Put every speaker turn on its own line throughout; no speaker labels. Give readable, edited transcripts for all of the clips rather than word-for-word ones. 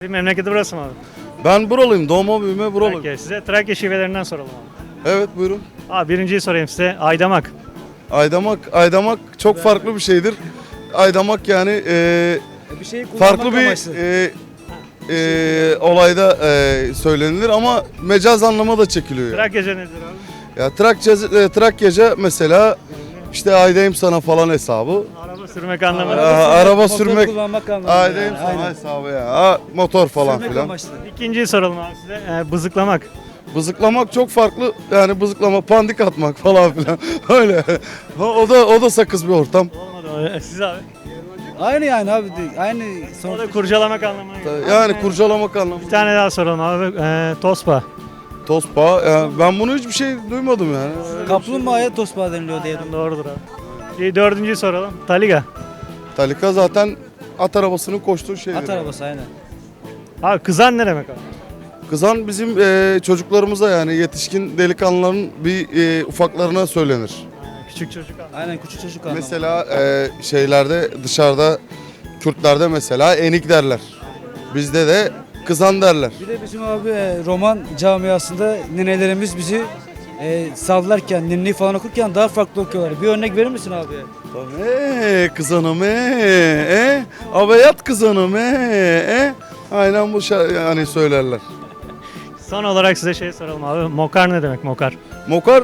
Memleketi burası mı abi?
Ben buralıyım. Doğma büyüme buralıyım.
Trakya. Size Trakya şivelerinden soralım abi.
Evet buyurun.
Abi birinciyi sorayım size. Aydamak.
Aydamak çok farklı bir şeydir. Aydamak yani
Bir şeyi
farklı
kullanmak
bir
amaçlı.
olayda söylenilir ama mecaz anlama da çekiliyor. Yani.
Trakyaca nedir abi?
Ya Trakyaca mesela işte aydayım sana falan hesabı.
Araba sürmek anlamında.
Araba
motor
sürmek.
kullanmak anlamında.
Aydayım
yani,
sana
aynen.
hesabı ya. Motor falan
Sürmek
filan.
amaçlı.
İkinciyi soralım abi size. Bızıklamak.
Bızıklamak çok farklı. Yani bızıklama, pandik atmak falan filan. Öyle. O da sakız bir ortam.
Olmadı o. Siz abi.
Aynı yani abi. Aynı
O
sonuç.
da kurcalamak anlamına geliyor.
Yani kurcalamak anlamında.
Bir tane daha soralım abi. Tospa.
Tospa. Yani ben bunu hiçbir şey duymadım yani.
Kaplumbağaya tosbağa deniliyor diye.
Doğrudur abi. Dördüncüyü soralım. Taliga.
Talika zaten at arabasının koştuğu şeydir.
At arabası aynen.
Abi kızan ne demek abi?
Kızan bizim çocuklarımıza yani yetişkin delikanlıların bir ufaklarına söylenir.
Küçük çocuk abi.
Aynen küçük çocuk anlamı.
Mesela şeylerde dışarıda Kürtlerde mesela enik derler. Bizde de kızan derler.
Bir de bizim abi roman camiasında ninelerimiz bizi sallarken, ninni falan okurken daha farklı okuyorlar. Bir örnek verir misin abi?
Kızanım Abeyat kızanım Aynen bu yani söylerler.
Son olarak size şey soralım abi. Mokar ne demek mokar?
Mokar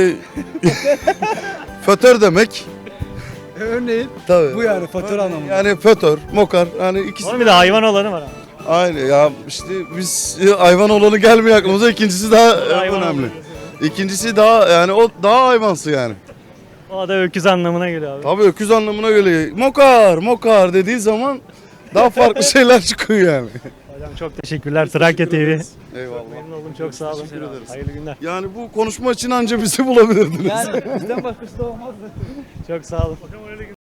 fötör demek.
Örneğin
Tabii.
bu yani fatura anlamında.
Yani fötör, mokar yani ikisi.
Onun bir de hayvan olanı var abi.
Aynı ya işte biz hayvan olanı gelmiyor aklımıza. İkincisi daha
Hayvan
önemli.
olanı.
İkincisi daha yani o daha hayvansı yani.
O da öküz anlamına geliyor abi.
Tabii öküz anlamına geliyor. Mokar dediği zaman daha farklı şeyler çıkıyor yani.
Hocam çok teşekkürler. Trakya TV.
Eyvallah.
Memnun oldum. Çok sağ olun.
Teşekkür ederiz.
Hayırlı günler.
Yani bu konuşma için anca bizi bulabilirdiniz.
Yani bizden başkası da olmaz.
Çok sağ olun.